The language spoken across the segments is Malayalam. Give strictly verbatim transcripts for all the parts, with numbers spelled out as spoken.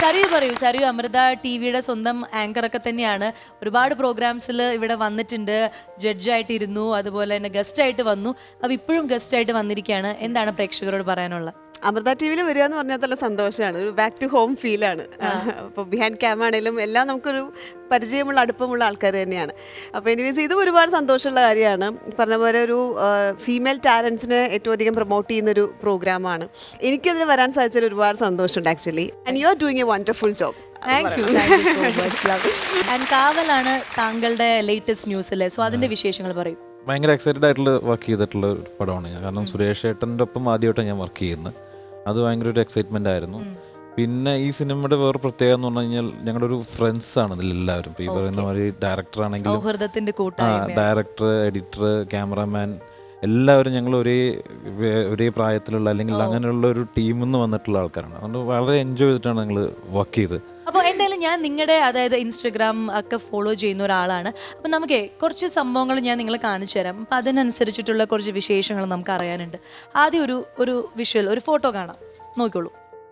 സരിയു പറയൂ. സരിയു അമൃത ടി വിയുടെ സ്വന്തം ആങ്കർ ഒക്കെ തന്നെയാണ്. ഒരുപാട് പ്രോഗ്രാംസിൽ ഇവിടെ വന്നിട്ടുണ്ട്, ജഡ്ജായിട്ട് ഇരുന്നു, അതുപോലെ തന്നെ ഗസ്റ്റ് ആയിട്ട് വന്നു. അപ്പൊ ഇപ്പോഴും ഗസ്റ്റ് ആയിട്ട് വന്നിരിക്കുകയാണ്. എന്താണ് പ്രേക്ഷകരോട് പറയാനുള്ളത്? അമൃത ടി വിയിൽ വരിക എന്ന് പറഞ്ഞാൽ നല്ല സന്തോഷമാണ്. ഒരു ബാക്ക് ടു ഹോം ഫീലാണ്. അപ്പോൾ ബിഹൈൻഡ് ക്യാം ആണെങ്കിലും എല്ലാം നമുക്കൊരു പരിചയമുള്ള അടുപ്പമുള്ള ആൾക്കാർ തന്നെയാണ്. അപ്പോൾ എനിവേസ് ഇതും ഒരുപാട് സന്തോഷമുള്ള കാര്യമാണ്. പറഞ്ഞ പോലെ ഒരു ഫീമെയിൽ ടാലൻസിനെ ഏറ്റവും അധികം പ്രൊമോട്ട് ചെയ്യുന്നൊരു പ്രോഗ്രാമാണ്. എനിക്കതിന് വരാൻ സാധിച്ചതിൽ ഒരുപാട് സന്തോഷമുണ്ട് actually. And you are doing a wonderful job. Thank you, thank you so much. Love. And കാവലാണ് താങ്കളുടെ ലേറ്റസ്റ്റ് ന്യൂസിലെ, സോ അതിന്റെ വിശേഷങ്ങൾ പറയും. ഭയങ്കര എക്സൈറ്റഡ് ആയിട്ടുള്ള വർക്ക് ചെയ്തിട്ടുള്ള ഒരു പടമാണ് ഞാൻ. കാരണം സുരേഷ് ഏട്ടൻ്റെ ഒപ്പം ആദ്യമായിട്ടാണ് ഞാൻ വർക്ക് ചെയ്യുന്നത്. അത് ഭയങ്കര ഒരു എക്സൈറ്റ്മെൻ്റ് ആയിരുന്നു. പിന്നെ ഈ സിനിമയുടെ വേറെ പ്രത്യേകത എന്ന് പറഞ്ഞു കഴിഞ്ഞാൽ ഞങ്ങളുടെ ഒരു ഫ്രണ്ട്സ് ആണ് ഇതിലെല്ലാവരും. ഇപ്പോൾ ഈ പറയുന്ന മാതിരി ഡയറക്ടർ ആണെങ്കിലും ഡയറക്ടർ, എഡിറ്റർ, ക്യാമറാമാൻ എല്ലാവരും ഞങ്ങൾ ഒരേ ഒരേ പ്രായത്തിലുള്ള അല്ലെങ്കിൽ അങ്ങനെയുള്ള ഒരു ടീമിൽ നിന്ന് വന്നിട്ടുള്ള ആൾക്കാരാണ്. അതുകൊണ്ട് വളരെ എൻജോയ് ചെയ്തിട്ടാണ് ഞങ്ങൾ വർക്ക് ചെയ്തത്. അപ്പോൾ എന്തായാലും ഞാൻ നിങ്ങളുടെ അതായത് ഇൻസ്റ്റഗ്രാം ഒക്കെ ഫോളോ ചെയ്യുന്ന ഒരാളാണ്. അപ്പം നമുക്ക് കുറച്ച് സംഭവങ്ങൾ ഞാൻ നിങ്ങളെ കാണിച്ചു തരാം. അപ്പം അതിനനുസരിച്ചിട്ടുള്ള കുറച്ച് വിശേഷങ്ങൾ നമുക്ക് അറിയാനുണ്ട്. ആദ്യം ഒരു ഒരു വിഷ്വൽ, ഒരു ഫോട്ടോ കാണാം, നോക്കിക്കോളൂ.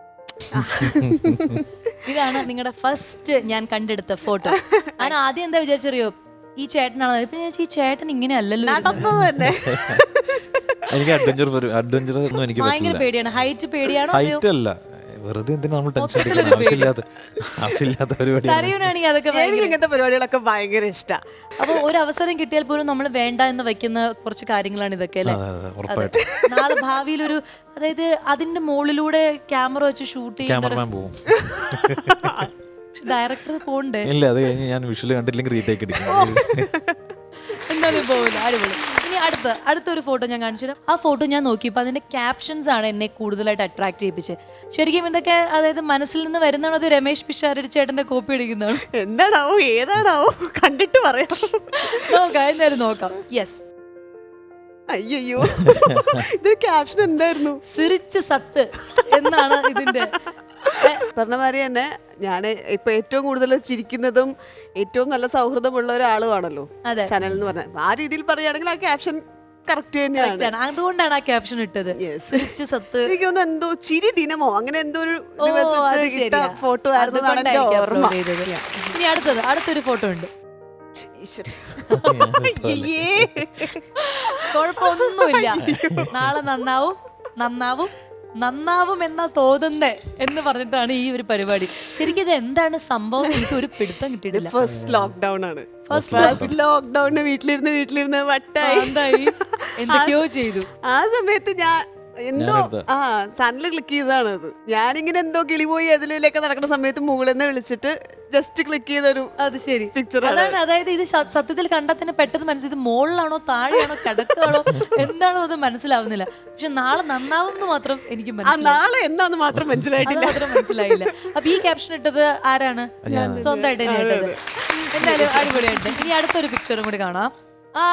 ഇതാണ് നിങ്ങളുടെ ഫസ്റ്റ് ഞാൻ കണ്ടെടുത്ത ഫോട്ടോ. ഞാൻ ആദ്യം എന്താ വിചാരിച്ചറിയോ, ഈ ചേട്ടനാണ്. ഇപ്പൊ ഞാൻ ഈ ചേട്ടൻ ഇങ്ങനെ അല്ലല്ലോ. എനിക്ക് അഡ്വഞ്ചർ അഡ്വഞ്ചർ ഒന്നും എനിക്ക് ഭയങ്കര പേടിയാണ്. ഹൈറ്റ് പേടിയാണോ? ഹൈറ്റ് അല്ല, വെറുതെ എന്തിനാ നമ്മൾ ടെൻഷൻ എടുക്കുന്നത്? ആവശ്യമില്ലാത്ത ആവശ്യമില്ലാത്ത പരിപാടിയാണെങ്കിൽ അതൊക്കെ ഇങ്ങനത്തെ പരിപാടികളൊക്കെ ഭയങ്കര ഇഷ്ടമാണ്. അപ്പൊ ഒരു അവസരം കിട്ടിയാൽ പോലും നമ്മൾ വേണ്ട എന്ന് വെക്കുന്ന കുറച്ച് കാര്യങ്ങളാണ് ഇതൊക്കെ അല്ലേ? നാളെ ഭാവിയിൽ ഒരു അതായത് അതിന്റെ മുകളിലൂടെ ക്യാമറ വെച്ച് ഷൂട്ട് ക്യാമറമാൻ പോകും. ഡയറക്ടർ പോണ്ടേ? ഇല്ല, അത് കഴിഞ്ഞ് ഞാൻ വിഷ്വൽ കണ്ടില്ലെങ്കിൽ റീടേക്ക് അടിക്കും. എന്തായാലും പോകില്ല. അടിപൊളി. ഇനി അടുത്ത അടുത്തൊരു ഫോട്ടോ ഞാൻ കാണിച്ചു തരാം. ആ ഫോട്ടോ ഞാൻ നോക്കിയപ്പോൾ അതിന്റെ ക്യാപ്ഷൻസ് ആണ് എന്നെ കൂടുതലായിട്ട് അട്രാക്ട് ചെയ്യിപ്പിച്ചത്. ശരിക്കും ഇതൊക്കെ അതായത് മനസ്സിൽ നിന്ന് വരുന്നതാണോ അത് രമേശ് പിഷാരടി ചേട്ടന്റെ കോപ്പി അടിക്കുന്നതാണ്? എന്താണാവോ ഏതാണാവോ കണ്ടിട്ട് പറയാം. നോക്കാം, എന്തായാലും നോക്കാം. യെസ്. അയ്യോ, ഇതൊരു ക്യാപ്ഷൻ എന്തായിരുന്നു? സിറിച്ച് സത്ത് എന്നാണ് ഇതിന്റെ. പറഞ്ഞ മാതിരി തന്നെ ഞാൻ ഇപ്പൊ ഏറ്റവും കൂടുതൽ ചിരിക്കുന്നതും ഏറ്റവും നല്ല സൗഹൃദമുള്ള ഒരാളുമാണല്ലോ സനൽ എന്ന് പറഞ്ഞ. ആ രീതിയിൽ പറയുകയാണെങ്കിൽ ആ ക്യാപ്ഷൻ കറക്റ്റ് തന്നെയാണ്. അതുകൊണ്ടാണ് ആ ക്യാപ്ഷൻ ഇട്ടത്. സിറിച്ച് സത്ത്. എനിക്ക് തോന്നുന്നു എന്തോ ചിരി ദിനമോ അങ്ങനെ എന്തോ ഒരു ഫോട്ടോ ആയിരുന്നു. ഇനി അടുത്തത് അടുത്തൊരു ഫോട്ടോ ഉണ്ട്. കുഴപ്പമൊന്നുമില്ല, നാളെ നന്നാവും നന്നാവും നന്നാവും എന്നാ തോന്നുന്നേ എന്ന് പറഞ്ഞിട്ടാണ് ഈ ഒരു പരിപാടി. ശരിക്കും ഇത് എന്താണ് സംഭവം? എനിക്ക് ഒരു പിടുത്തം കിട്ടിയിട്ടില്ല. ഫസ്റ്റ് ലോക്ക്ഡൌൺ ആണ്. ഫസ്റ്റ് ലോക്ക്ഡൌണിന് വീട്ടിലിരുന്ന് വീട്ടിലിരുന്ന് വട്ടായി എന്തായി എന്തൊക്കെയോ ചെയ്തു. ആ സമയത്ത് ഞാൻ എന്തോ ആ സണ്ണിൽ ക്ലിക്ക് ചെയ്തതാണ് അത്. ഞാനിങ്ങനെ എന്തോ കിളി പോയി അതിലേക്ക് നടക്കുന്ന സമയത്ത് മുകളിൽ നിന്ന് വിളിച്ചിട്ട് ജസ്റ്റ് ക്ലിക്ക് ചെയ്തൊരു അത് ശരി പിക്ചർ അതാണ്. അതായത് ഇത് സത്യത്തിൽ കണ്ടാൽ തന്നെ പെട്ടെന്ന് മനസ്സിലായി മുകളിലാണോ താഴെയാണോ കിടക്കാണോ എന്താണോ അത് മനസ്സിലാവുന്നില്ല. പക്ഷെ നാളെ നന്നാവുമെന്ന് മാത്രം എനിക്ക് നാളെ എന്താന്ന് മാത്രം മനസ്സിലായിട്ടില്ല മാത്രം മനസ്സിലായില്ല. അപ്പൊ ഈ ക്യാപ്ഷൻ ഇട്ടത് ആരാണ്? സ്വന്തമായിട്ട് തന്നെ ഇട്ടത്. എന്തായാലും അടിപൊളിയായിട്ട്. ഇനി അടുത്തൊരു പിക്ചറും കൂടി കാണാം. ആ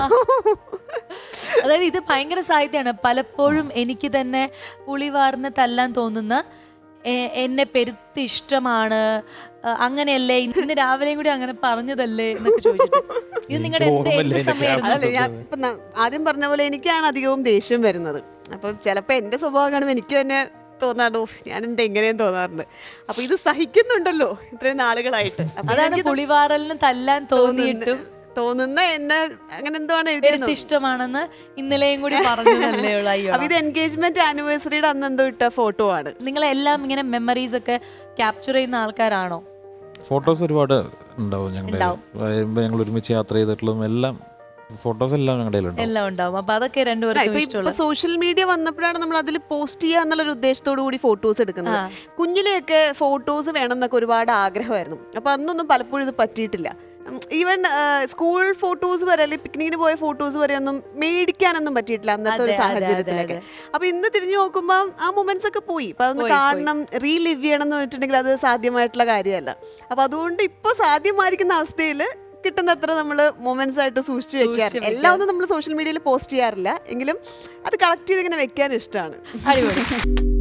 അതായത് ഇത് ഭയങ്കര സാഹിത്യമാണ്. പലപ്പോഴും എനിക്ക് തന്നെ പുളിവാർന്ന് തല്ലാൻ തോന്നുന്ന, എന്നെ പെരുത്ത് ഇഷ്ടമാണ്, അങ്ങനെയല്ലേ, ഇന്ന് രാവിലെയും കൂടി അങ്ങനെ പറഞ്ഞതല്ലേ എന്നൊക്കെ ചോദിച്ചിട്ട്. ഇത് നിങ്ങളുടെ എന്ത് എന്ത് സമയമായിരുന്നു? ആദ്യം പറഞ്ഞ പോലെ എനിക്കാണ് അധികവും ദേഷ്യം വരുന്നത്. അപ്പൊ ചിലപ്പോ എന്റെ സ്വഭാവം കാണുമ്പോൾ എനിക്ക് തന്നെ തോന്നാറോ ഞാൻ എന്താ എങ്ങനെയും തോന്നാറുണ്ട്. അപ്പൊ ഇത് സഹിക്കുന്നുണ്ടല്ലോ ഇത്രയും നാളുകളായിട്ട്. അതാണ് പുളിവാറലിന് തല്ലാൻ തോന്നിയിട്ടും തോന്നുന്ന എന്നെ അങ്ങനെ എന്തോ ആണ് എഴുതിയത് ഇഷ്ടമാണെന്ന് ഇന്നലെയും കൂടി പറഞ്ഞതല്ലേ ഉള്ളൂ. അപ്പൊ ഇത് എൻഗേജ്മെന്റ് ആനിവേഴ്സറിയുടെ അന്ന് എന്തോ ഇട്ട ഫോട്ടോ ആണ്. നിങ്ങളെല്ലാം ഇങ്ങനെ മെമ്മറീസ് ഒക്കെ ക്യാപ്ചർ ചെയ്യുന്ന ആൾക്കാരാണോ? ഫോട്ടോസ് ഒരുപാട് ഉണ്ടാവും. ഞങ്ങൾ ഞങ്ങൾ ഒരുമിച്ച് യാത്ര ചെയ്തിട്ടുള്ളതും എല്ലാം ഫോട്ടോസ് എല്ലാം ഞങ്ങളുടെ എല്ലാം ഉണ്ടാവും. അപ്പൊ അതൊക്കെ രണ്ടുപേർക്കും സോഷ്യൽ മീഡിയ വന്നപ്പോഴാണ് നമ്മൾ അതിൽ പോസ്റ്റ് ചെയ്യുക എന്നുള്ള ഉദ്ദേശത്തോടു കൂടി ഫോട്ടോസ് എടുക്കുന്നത്. കുഞ്ഞിലെയൊക്കെ ഫോട്ടോസ് വേണം എന്നൊക്കെ ഒരുപാട് ആഗ്രഹമായിരുന്നു. അപ്പൊ അന്നൊന്നും പലപ്പോഴും ഇത് പറ്റിയിട്ടില്ല. ഈവൻ സ്കൂൾ ഫോട്ടോസ് വരെ അല്ലെങ്കിൽ പിക്നിക്കിന് പോയ ഫോട്ടോസ് വരെ ഒന്നും മേടിക്കാനൊന്നും പറ്റിയിട്ടില്ല അന്നത്തെ ഒരു സാഹചര്യത്തിലൊക്കെ. അപ്പൊ ഇന്ന് തിരിഞ്ഞു നോക്കുമ്പോൾ ആ മൊമെന്റ്സ് ഒക്കെ പോയി. അപ്പൊ അതൊന്ന് കാണണം, റീലിവ് ചെയ്യണം എന്ന് പറഞ്ഞിട്ടുണ്ടെങ്കിൽ അത് സാധ്യമായിട്ടുള്ള കാര്യമല്ല. അപ്പൊ അതുകൊണ്ട് ഇപ്പൊ സാധ്യമായിരിക്കുന്ന അവസ്ഥയിൽ കിട്ടുന്നത്ര നമ്മൾ മൊമെന്റ്സ് ആയിട്ട് സൂക്ഷിച്ചു വെക്കാറ്. എല്ലാം ഒന്നും നമ്മൾ സോഷ്യൽ മീഡിയയിൽ പോസ്റ്റ് ചെയ്യാറില്ല, എങ്കിലും അത് കളക്ട് ചെയ്ത് ഇങ്ങനെ വെക്കാൻ ഇഷ്ടമാണ്. അടിപൊളി.